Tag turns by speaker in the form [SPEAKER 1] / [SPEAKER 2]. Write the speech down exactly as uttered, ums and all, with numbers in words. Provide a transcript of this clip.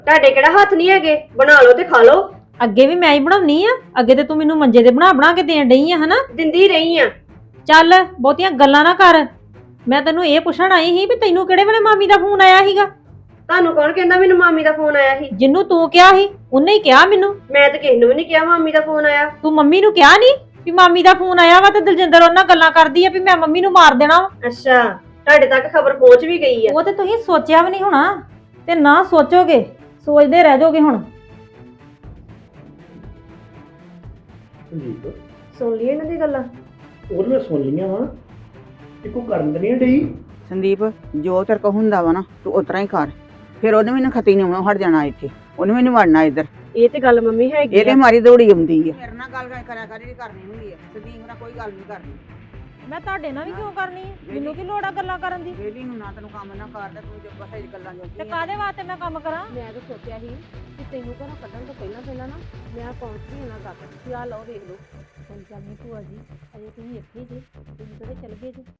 [SPEAKER 1] ਤੁਹਾਡੇ ਕਿਹੜਾ ਹੱਥ ਨਹੀਂ ਹੈਗੇ, ਬਣਾ ਲਓ ਤੇ ਖਾ ਲਓ।
[SPEAKER 2] ਅੱਗੇ ਵੀ ਮੈਂ ਹੀ ਬਣਾਉਣੀ ਆ, ਅੱਗੇ ਤੇ ਤੂੰ ਮੈਨੂੰ ਮੰਜੇ ਤੇ ਬਣਾ ਬਣਾ ਕੇ ਦੇਣ ਡਈ ਆ ਹਨਾ।
[SPEAKER 1] ਦਿੰਦੀ ਰਹੀ ਆ।
[SPEAKER 2] ਚੱਲ ਬਹੁਤੀਆਂ ਗੱਲਾਂ ਨਾ ਕਰ। ਮੈਂ ਤੈਨੂੰ ਇਹ ਪੁੱਛਣ ਆਈ ਸੀ ਵੀ ਤੈਨੂੰ ਕਿਹੜੇ ਵੇਲੇ ਮਾਮੀ ਦਾ ਫੋਨ ਆਇਆ ਸੀਗਾ।
[SPEAKER 1] ਤੁਹਾਨੂੰ ਕੌਣ ਕਹਿੰਦਾ ਮੈਨੂੰ ਮਾਮੀ ਦਾ ਫੋਨ ਆਇਆ ਸੀ?
[SPEAKER 2] ਜਿੰਨੂੰ ਤੂੰ ਕਿਹਾ ਸੀ ਉਹਨੇ ਹੀ ਕਿਹਾ ਮੈਨੂੰ।
[SPEAKER 1] ਮੈਂ ਤਾਂ ਕਿਸੇ ਨੂੰ ਵੀ ਨਹੀਂ ਕਿਹਾ ਮਾਮੀ ਦਾ ਫੋਨ ਆਇਆ।
[SPEAKER 2] ਤੂੰ ਮੰਮੀ ਨੂੰ ਕਿਹਾ ਨਹੀਂ ਵੀ ਮਾਮੀ ਦਾ ਫੋਨ ਆਇਆ ਵਾ ਤੇ ਦਲਜਿੰਦਰ ਉਹਨਾਂ ਗੱਲਾਂ ਕਰਦੀ ਆ ਵੀ ਮੈਂ ਮੰਮੀ ਨੂੰ ਮਾਰ ਦੇਣਾ ਵਾ।
[SPEAKER 1] ਅੱਛਾ, ਤੁਹਾਡੇ ਤੱਕ ਖਬਰ ਪਹੁੰਚ ਵੀ ਗਈ ਆ।
[SPEAKER 2] ਉਹ ਤੇ ਤੁਸੀਂ ਸੋਚਿਆ ਵੀ ਨਹੀਂ ਹੋਣਾ ਤੇ ਨਾ ਸੋਚੋਗੇ, ਸੋਚਦੇ ਰਹਿ ਜਾਓਗੇ ਹੁਣ।
[SPEAKER 3] ਸੰਦੀਪ
[SPEAKER 1] ਸੁਣ ਲਈ ਇਹਨਾਂ ਦੀ ਗੱਲਾਂ?
[SPEAKER 3] ਉਹ ਮੈਂ ਸੁਣ ਲਈਆਂ ਵਾ, ਇੱਕੋ ਕਰਨ ਤੇ ਨਹੀਂ ਡਈ।
[SPEAKER 4] ਸੰਦੀਪ ਜੋ ਤੇਰੇ ਕੋ ਹੁੰਦਾ ਵਾ ਨਾ ਤੂੰ ਉਤਰਾ ਹੀ ਕਰ। ਫਿਰ ਉਹਨੇ ਮੈਨੂੰ ਖਤੀ ਨਹੀਂ ਆਉਣਾ, ਹਟ ਜਾਣਾ ਇੱਥੇ, ਉਹਨੇ ਮੈਨੂੰ ਵੜਨਾ ਇੱਧਰ।
[SPEAKER 1] ਇਹ ਤੇ ਗੱਲ ਮੰਮੀ ਹੈਗੀ
[SPEAKER 4] ਇਹ ਤੇ ਮਾਰੀ ਦੌੜੀ ਆਉਂਦੀ ਆ। ਮੇਰੇ ਨਾਲ ਗੱਲ ਕਰਿਆ ਕਰ ਜਿਹੜੀ ਕਰਨੀ ਹੁੰਦੀ ਆ, ਸੰਦੀਪ ਨਾਲ ਕੋਈ ਗੱਲ ਨਹੀਂ ਕਰਨੀ।
[SPEAKER 2] ਮੈਂ ਤੁਹਾਡੇ ਨਾਲ ਵੀ ਕਿਉਂ ਕਰਨੀ ਹੈ? ਮੈਨੂੰ ਕੀ ਲੋੜ ਆ ਗੱਲਾਂ ਕਰਨ ਦੀ?
[SPEAKER 4] ਵੇਲੀ ਨੂੰ ਨਾ ਤੈਨੂੰ ਕੰਮ ਨਾ ਕਰਦਾ, ਤੂੰ ਜੋ ਬਸ ਇਹ ਗੱਲਾਂ ਜੋ
[SPEAKER 2] ਤੇ ਕਾਦੇ ਵਾਸਤੇ ਮੈਂ ਕੰਮ ਕਰਾਂ?
[SPEAKER 1] ਮੈਂ ਤਾਂ ਸੋਚਿਆ ਸੀ ਕਿ ਤੈਨੂੰ ਘਰੋਂ ਕੱਢਣ ਤੋਂ ਪਹਿਲਾਂ ਪਹਿਲਾਂ ਨਾ ਮੈਂ ਪਹੁੰਚ ਗਈ ਉਹਨਾਂ ਤੱਕ। ਕੀ ਆ ਲਓ ਵੇਖ ਲਓ।
[SPEAKER 2] ਕੋਈ ਗੱਲ ਨਹੀਂ ਭੂਆ ਜੀ, ਅਜੇ ਤੁਸੀਂ ਇੱਥੇ ਜੇ, ਤੁਸੀਂ ਕਿਹੜੇ ਚੱਲ ਗਏ ਜੀ?